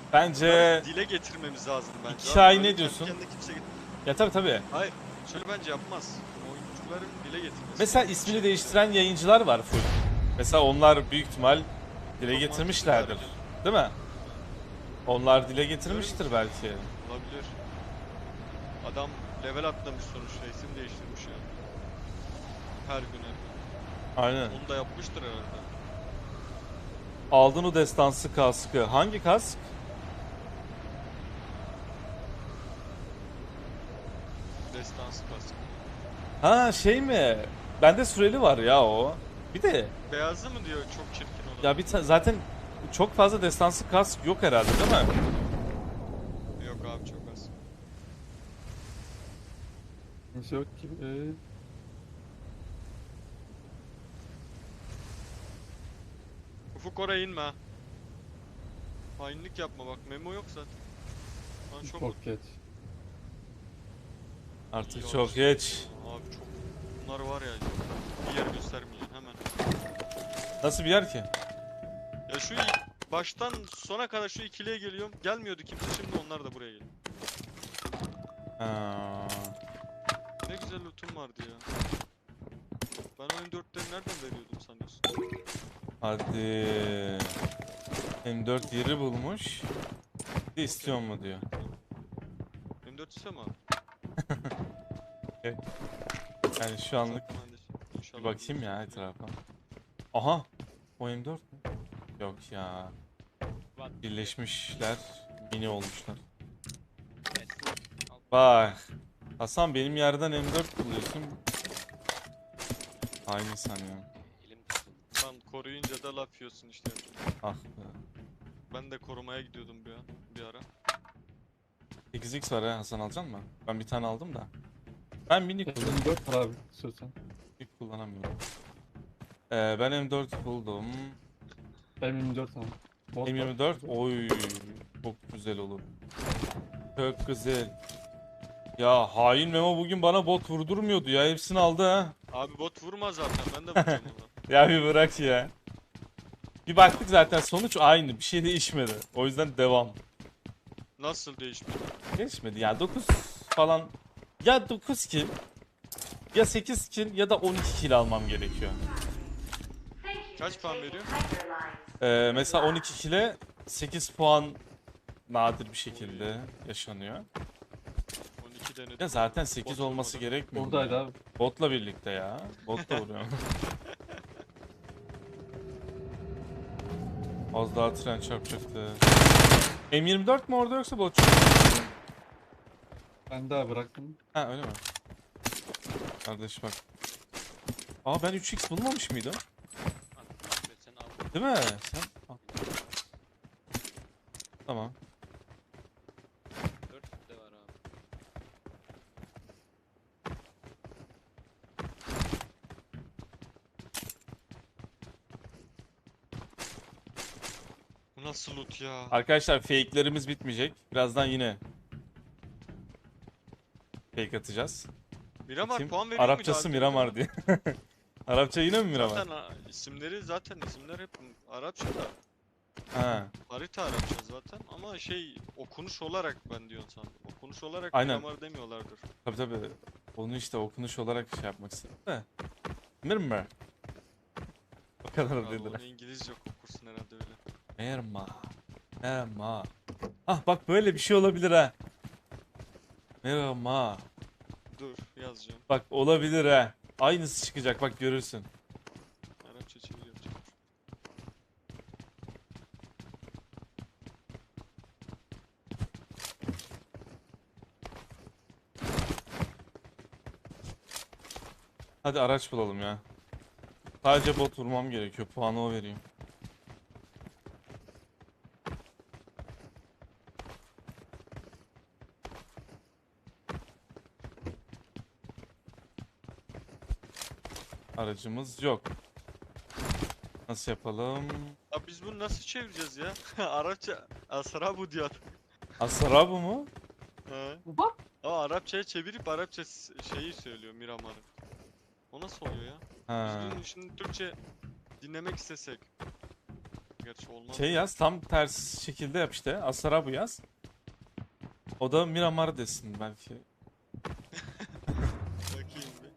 Bence Dile getirmemiz lazım bence. 2 ay Böyle ne kendi diyorsun? kendine kimse Ya tabii. Hayır. Şöyle bence yapmaz. Oyuncuların dile getirmesi Mesela lazım ismini şeyleri. değiştiren yayıncılar var full. Mesela onlar büyük ihtimal dile Çok getirmişlerdir. mantıklı Değil mi? Onlar dile harbiden. getirmiştir Diyorum belki. ki, olabilir. Adam level atlamış sonuçta, isim değiştirmiş ya. Her gün her gün. Aynen. Onu da yapmıştır herhalde. Aldın o destansı kaskı. Hangi kask? Destansı kask. Ha şey mi? Bende süreli var ya o. Bir de Beyazı mı diyor çok çirkin olan? ya zaten çok fazla destansı kask yok herhalde değil mi? Yok abi, çok az. Kimse yok gibi. Ufuk oraya inme ha. Hainlik yapma bak, memo yok zaten. Lan çok Çok geç. Artık Ya çok işte, geç. abi çok. Bunlar var ya, bir yer göstermeyeceksin hemen. Nasıl bir yer ki? Ya şu baştan sona kadar şu ikiliye geliyorum. Gelmiyordu kimse, şimdi onlar da buraya geliyor. Ha. Ne güzel lootum vardı ya. Ben oyun 4'leri nereden veriyordum sanıyorsun? Hadi. M4 yeri bulmuş. Bir de istiyor mu diyor. M4 ise mi abi? Yani şu anlık Zaten ben de inşallah bir bakayım ya buluruz. etrafa. Aha. O M4 mü? Yok ya. Birleşmişler. Mini olmuşlar. Bak. Hasan benim yerden M4 buluyorsun. Aynı sanıyorum. Lan koruyunca da laf yiyorsun işte. Ah be. Ben de korumaya gidiyordum bir ara. 8x var ha, Hasan alacak mı? Ben bir tane aldım da. Ben mini kullanıyorum. 24 var abi istiyorsan. Hiç kullanamıyorum. Ben M4 buldum. Ben 24 ama. Bot var. M24 oy çok güzel olur. Çok güzel. Ya hain Memo bugün bana bot vurdurmuyordu ya, hepsini aldı ha. Abi bot vurma zaten, ben de vuracağım ona. Ya bir bırak ya. Bir baktık zaten sonuç aynı, bir şey değişmedi. O yüzden devam. Nasıl değişmiyor? Değişmedi ya, 9 falan. Ya 9 kill ya 8 kill ya da 12 kill almam gerekiyor. Kaç puan veriyor? Mesela 12 kill'e 8 puan nadir bir şekilde yaşanıyor. 12 denedim. Ya zaten 8 Bot olması vurmadı. gerekmiyor mu Buradaydı ya? abi. Botla birlikte ya. Bot da vuruyor. Az daha tren çarpacaktı. M24 mi orada yoksa bot? Ben daha bıraktım. Ha öyle mi? Kardeş bak. Aa ben 3x bulmamış mıydım? Sen al. Değil mi? Sen... Al. Tamam. 4 de var abi. Bu nasıl loot ya? Arkadaşlar fake'lerimiz bitmeyecek. Birazdan yine fake atacağız. Miramar Bakayım. puan veriyor muydu Arapçası abi? Miramar diye. Arapça yine mi Miramar? Zaten isimler hep Arapça da. Ha. Harita Arapça zaten ama şey, okunuş olarak ben diyorsun sandım. Okunuş olarak Aynen. Miramar demiyorlardır. Tabii. Onu işte okunuş olarak şey yapmak istedim de. Miramar. O kadar Abi dediler. onu İngilizce okursun herhalde öyle. Merma. Ah bak böyle bir şey olabilir ha. Merma. Dur yazacağım. Bak olabilir ha. Aynısı çıkacak bak görürsün. Arapça çeviri yapacağım. Hadi araç bulalım ya. Sadece bot vurmam gerekiyor. Puanı o vereyim. Aracımız yok. Nasıl yapalım? Abi biz bunu nasıl çevireceğiz ya? Arapça Asrabu diyor. Asarabu mu? He. Bak. Ama Arapçaya çevirip Arapça şeyi söylüyor, Miramar'ı. O nasıl oluyor ya? Ha. Biz bunu şimdi Türkçe dinlemek istesek. gerçi olmaz. Şey yaz, tam ters şekilde yap işte. Asarabu yaz. O da Miramar desin belki. Bakayım bir.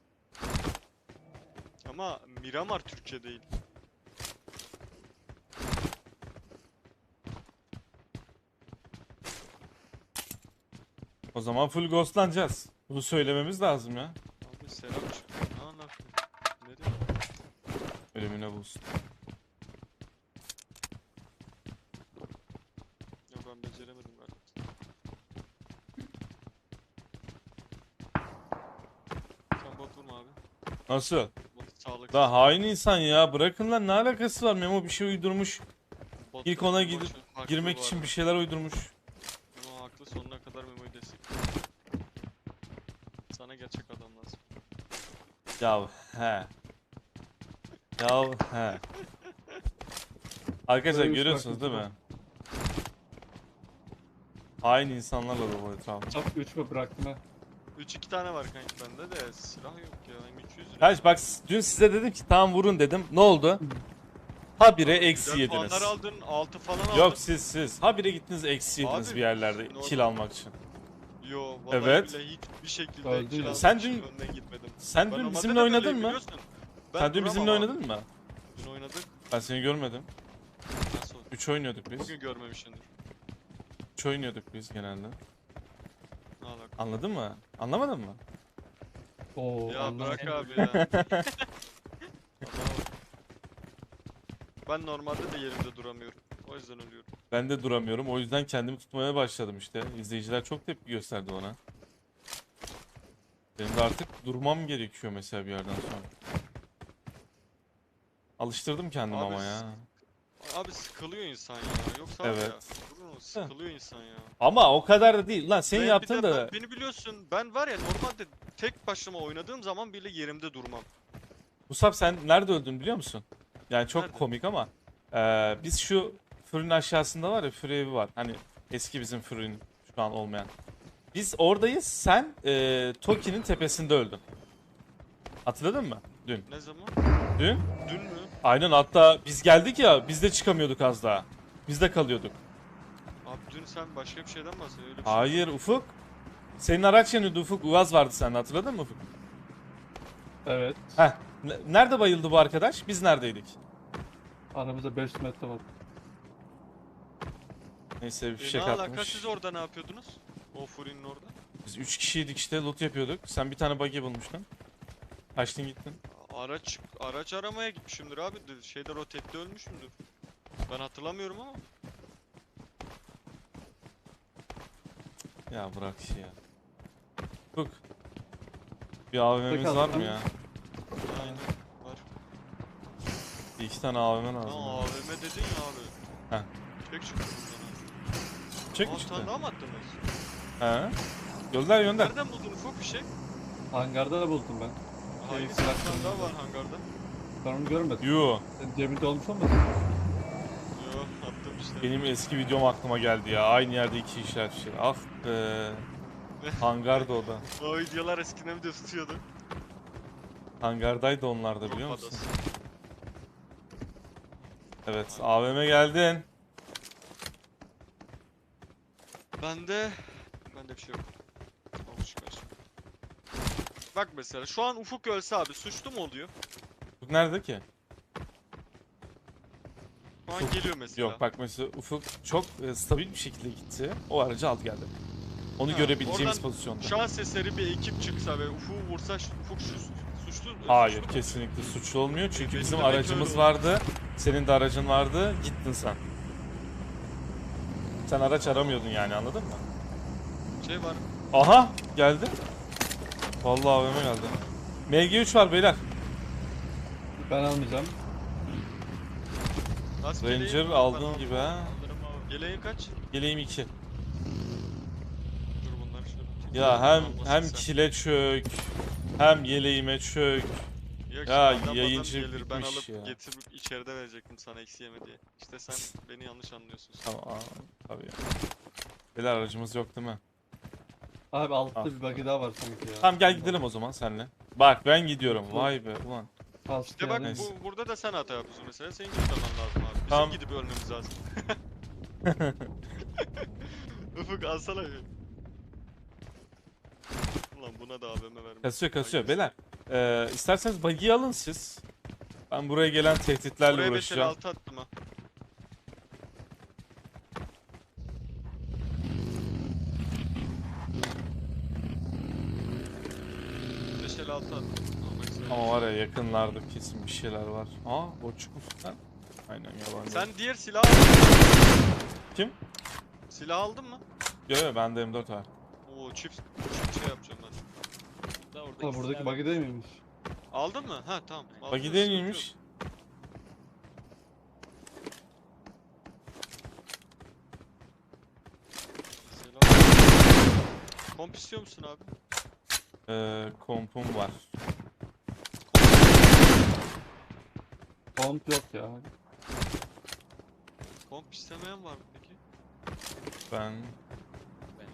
Ama Miramar Türkçe değil. O zaman full ghostlanacağız. Bunu söylememiz lazım ya. Abi selam çıktı. Ne anlattın? Nereye? Ölümüne bulsun. Ya ben beceremedim galiba. Sen bot vurma abi. Nasıl? Bot sağlık. La hain insan ya. Bırakın lan, ne alakası var? Memo bir şey uydurmuş. Bot İlk ona vurma, gidip boş ver. Haklı girmek bu için arada. bir şeyler uydurmuş. Memo haklı, sonuna kadar Memo'yu destek. Sana gerçek adam lazım. Ya he. Ya he. Arkadaşlar Böyle bir görüyorsunuz değil farklı mi? Hain insanlarla dolu etrafı. Çap 3 mü bıraktım ha? 3-2 tane var kanki bende de silah yok ya. M200 lira. Kaç bak, dün size dedim ki tamam vurun dedim. Ne oldu? Habire eksi Güzel yediniz. puanlar aldın, 6 falan aldın. Yok siz. Habire gittiniz eksi yediniz Abi, bir yerlerde normal. kill almak için. Yo vallahi Evet. bile hiçbir şekilde Öldü kill ya. almak Sen için dün- önden gitmedim. Sen Ben dün normalde bizimle de oynadın böyleyim, mı? biliyorsun. Ben Sen dün duramam bizimle abi. oynadın mı? Dün oynadık. Ben seni görmedim. Nasıl oldu? 3 oynuyorduk biz. Bugün görmemişsindir. 3 oynuyorduk biz genelde. Ne alaka? Anladın mı? Anlamadın mı? Oo, Ya anlamadım. bırak abi ya. Adama bak. Ben normalde de yerimde duramıyorum. O yüzden ölüyorum. Ben de duramıyorum. O yüzden kendimi tutmaya başladım işte. İzleyiciler çok tepki gösterdi ona. Benim de artık durmam gerekiyor mesela bir yerden sonra. Alıştırdım kendimi Abi ama ya. Abi sıkılıyor insan ya. Yoksa abi ya. Evet. Durun, sıkılıyor insan ya. Ama o kadar da değil. Lan senin Ben bir yaptığın de da... beni biliyorsun. Ben var ya, normalde tek başıma oynadığım zaman bile yerimde durmam. Musab sen nerede öldün biliyor musun? Yani çok Nerede? komik ama biz şu fırın aşağısında var ya, fırın evi var. Hani eski bizim fırın, şu an olmayan. Biz oradayız. Sen Toki'nin tepesinde öldün. Hatırladın mı? Dün. Ne zaman? Dün. Dün mü? Aynen, hatta biz geldik ya, biz de çıkamıyorduk az daha. Biz de kalıyorduk. Abi dün sen başka bir şeyden bahsediyorsun. Öyle bir şey Hayır yok. Ufuk. Senin araç yanıyordu Ufuk. Uaz vardı sende, hatırladın mı Ufuk? Evet. Heh. Nerede bayıldı bu arkadaş? Biz neredeydik? Aramızda 500 metre var. Neyse bir Ne fişek alaka, atmış. siz orada ne yapıyordunuz? O Furin'in orada. Biz 3 kişiydik işte, loot yapıyorduk. Sen bir tane buggy bulmuştun. Kaçtın gittin. Araç aramaya gitmişimdir abi. Şeyde rotette ölmüşümdür. Ben hatırlamıyorum ama. Ya bırak işi ya. Ufuk. Bir AVM'miz Bakalım. var mı ya? Aynen var. Bir iki tane AVM lazım. Tamam, ya. AVM dedin ya abi. Heh. Çek çıktı buradan. Çek mi Aa, çıktı? sen daha mı attınız? He? Gönder gönder. Nereden buldun ufak bir şey? Hangarda da buldum ben. Hayır, silah bir tane daha kullanıyor. var hangarda. Ben onu görmedim. Yo. Senin cebinde olmuş olmasın? Yo, attım işte. Benim eski videom aklıma geldi ya. Aynı yerde iki işaret şey. Ah be. Hangarda o da. O videolar eskiden bir de tutuyordu. Hangardaydı onlar da, biliyor Grup musun? adası. Evet, AVM geldin. Bende bir şey yok. Avuç kaç. Bak mesela şu an Ufuk ölse abi suçlu mu oluyor? Ufuk nerede ki? Şu an Ufuk- geliyor mesela. Yok bak, mesela Ufuk çok stabil bir şekilde gitti. O aracı aldı geldi. Onu Ha, görebileceğimiz oradan pozisyonda. Şans eseri bir ekip çıksa ve Ufuk'u vursa Ufuk suçlu. Hayır, suçlu mu? kesinlikle suçlu olmuyor. Çünkü Benim bizim de belki aracımız öyle vardı. Senin de aracın vardı. Gittin sen. Sen araç aramıyordun yani, anladın mı? Şey var. Aha, geldi. Vallahi AVM geldi. MG3 var beyler. Ben almayacağım. Nasıl Ranger yeleğin? aldığın Ben gibi ha. alırım abi. Yeleğin kaç? Yeleğim 2. Dur bunları şöyle. Ya hem Almasın sen. kile çök, hem yeleğime çök. Yok, Ya, şimdi adam yayıncı gelir, ben bitmiş alıp ya. getirip içeride verecektim sana eksi yeme diye. İşte sen beni yanlış anlıyorsun. Tamam, tabii ya. Beyler aracımız yok değil mi? Abi altta Al. bir buggy daha var sanki ya. Tamam, gel gidelim o zaman senle. Bak ben gidiyorum. Vay be ulan. Kask İşte bak yani. Neyse. burada da sen hata yapıyorsun mesela. Senin gitmemen lazım abi. Tamam. gidip ölmemiz lazım. Ufuk alsana bir. Ulan buna da AVM vermiş. Kasıyor beyler. İsterseniz buggy'yi alın siz. Ben buraya gelen tehditlerle Buraya uğraşacağım. 556 attım ha. altı attım. Ama var ya yakınlarda kesin bir şeyler var. Aa o çıkmışlar. Aynen yabancı. Sen diğer silah aldın mı? Kim? Silah aldın mı? Yo bende M4 var. Oo çift şey yapacağım ben. Da orada Ha, buradaki buggy değil miymiş? Aldın mı? Ha tamam. Aldın, Buggy sıkıntı değil yok. miymiş? Selam. Komp istiyor musun abi? Kompum var. Komp yok ya. Komp istemeyen var mı peki? Ben Ben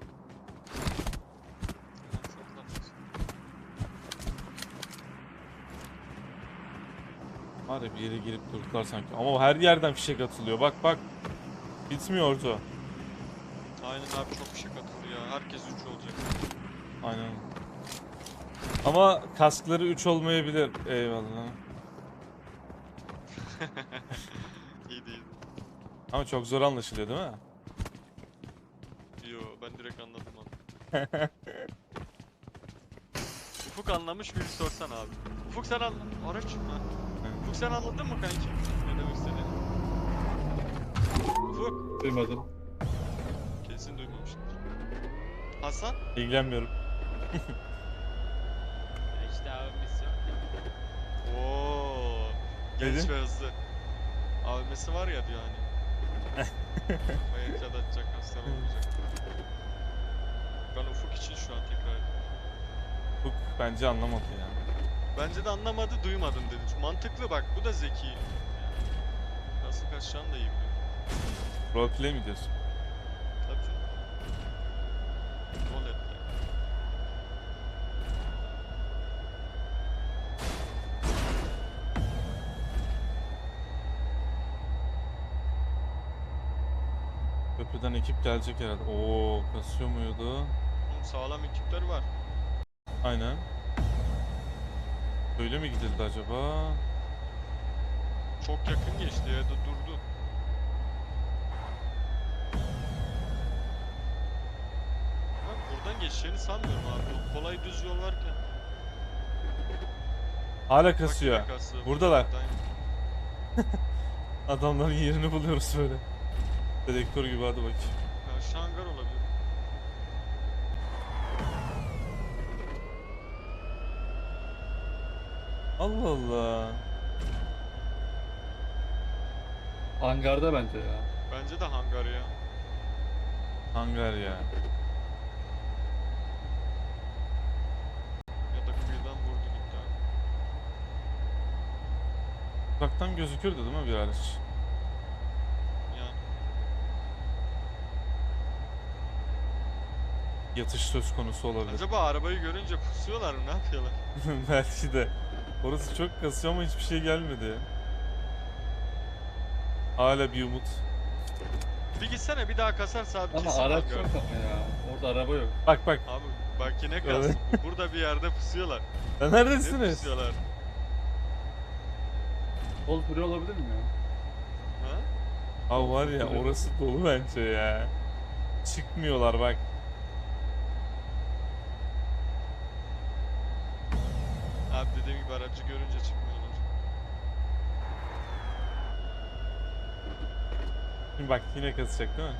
var ya bir yere girip durdular sanki. Ama her yerden fişek atılıyor. Bak. Bitmiyor orta. Aynen abi çok bir şey katıldı ya. Herkes 3 olacak. Aynen. Ama kaskları 3 olmayabilir. Eyvallah. İyi değil. Ama çok zor anlaşılıyor değil mi? Yo ben direkt anladım abi. Ufuk anlamış bir sorsan abi. Ufuk sen anladın. Araç mı? Ufuk sen anladın mı kanki? Ne demek istediğini? Ufuk. Duymadım. Kesin duymamıştır. Hasan? İlgilenmiyorum. işte abi misyon. Oo. Genç Dedin? ve hızlı. AVM'si var ya diyor hani. Bayakçada atacak, hasta olmayacak. Ben Ufuk için şu an tekrar ediyorum. Bu bence anlamadı ya. Bence de anlamadı, duymadım dedi. Çünkü mantıklı bak, bu da zeki. Nasıl kaçacağını da iyi biliyor. Roleplay mi diyorsun? Tabii canım. Rol et yani. Köprüden ekip gelecek herhalde. Oo kasıyor muydu? Oğlum sağlam ekipler var. Aynen. Öyle mi gidildi acaba? Çok yakın geçti ya da durdu. Bak buradan geçeceğini sanmıyorum abi. O kolay düz yol varken. Hala Bak kasıyor. yine kasıyor. Buradalar. Buradan- Adamların yerini buluyoruz böyle. Dedektör gibi hadi bakayım. Ya şu hangar olabilir. Allah Allah. Hangarda bence ya. Bence de hangar ya. Hangar ya. Ya da kıyıdan vurdu gitti abi. Uzaktan gözükürdü değil mi bir araç? Yani Yatış söz konusu olabilir. acaba arabayı görünce pusuyorlar mı? Ne yapıyorlar? Belki de. Orası çok kasıyor ama hiçbir şey gelmedi. Hala bir umut. Bir gitsene bir daha kasarsa abi Ama kesin araç hangar. yok ama ya. Orada araba yok. Bak. Abi bak yine kastım. Burada bir yerde pusuyorlar. Lan Ne neredesiniz? pusuyorlar? Sol free olabilir mi ya? Ha? Abi var ya orası dolu bence ya. Çıkmıyorlar bak. Abi dediğim gibi aracı görünce çıkmıyorlar. Şimdi bak yine kasacak değil mi?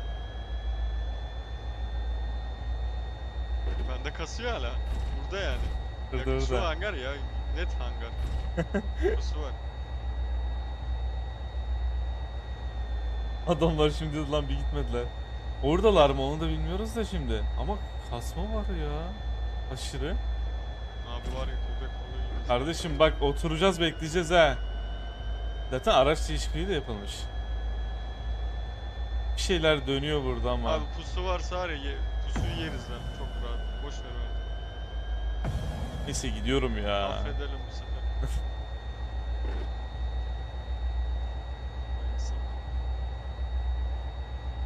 Bende kasıyor hala. Burada yani. Burada, Ya, şu burada. hangar ya. Net hangar. Burası var. Adamlar şimdi lan bir gitmediler. Oradalar mı onu da bilmiyoruz da şimdi. Ama kasma var ya. Aşırı. Abi var ya köpek balığı gibi. Kardeşim bak oturacağız bekleyeceğiz ha. Zaten araç değişikliği de yapılmış. Bir şeyler dönüyor burada ama. Abi pusu varsa var ya pusuyu yeriz lan. Çok rahat. Boş ver bence. Neyse gidiyorum ya. Affedelim bu sefer.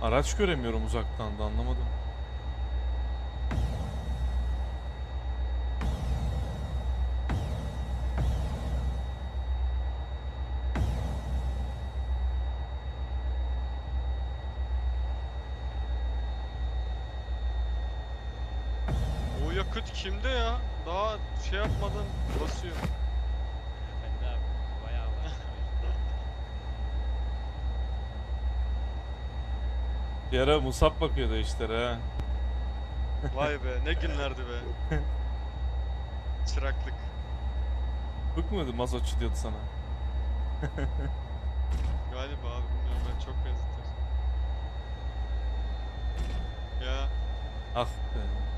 Araç göremiyorum uzaktan da, anlamadım. O yakıt kimde ya? Daha şey yapmadan basıyor. Bende abi bayağı var. Bir ara Musab bakıyordu işlere ha. Vay be ne günlerdi be. Çıraklık. Bık mıydı mazotçu diyordu sana. Galiba abi bilmiyorum ben çok benzetir. Ya Ah be.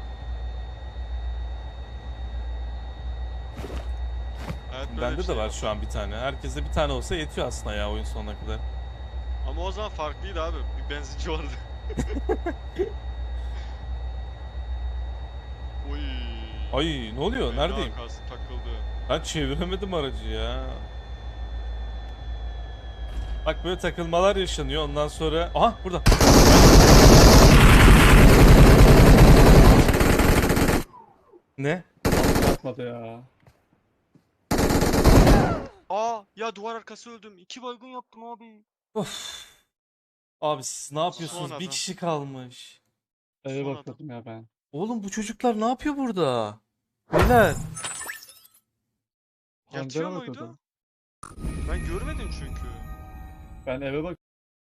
hayat böyle bir Bende de şey var ya. şu an bir tane. Herkese bir tane olsa yetiyor aslında ya oyun sonuna kadar. Ama o zaman farklıydı abi. Bir benzinci vardı. Oy. Ay ne oluyor? Fena Neredeyim? takıldı. Ben çeviremedim aracı ya. Bak böyle takılmalar yaşanıyor ondan sonra... Aha burada. Ne? Yapmadı ya. Aa ya duvar arkası öldüm. 2 baygın yaptım abi. Of. Abi siz ne yapıyorsunuz? Son Bir adam. kişi kalmış. Eve Son bakıyordum ya ben. Oğlum bu çocuklar ne yapıyor burada? Beyler. Yatıyor Hangara muydu? bakıyordum. Ben görmedim çünkü. Ben eve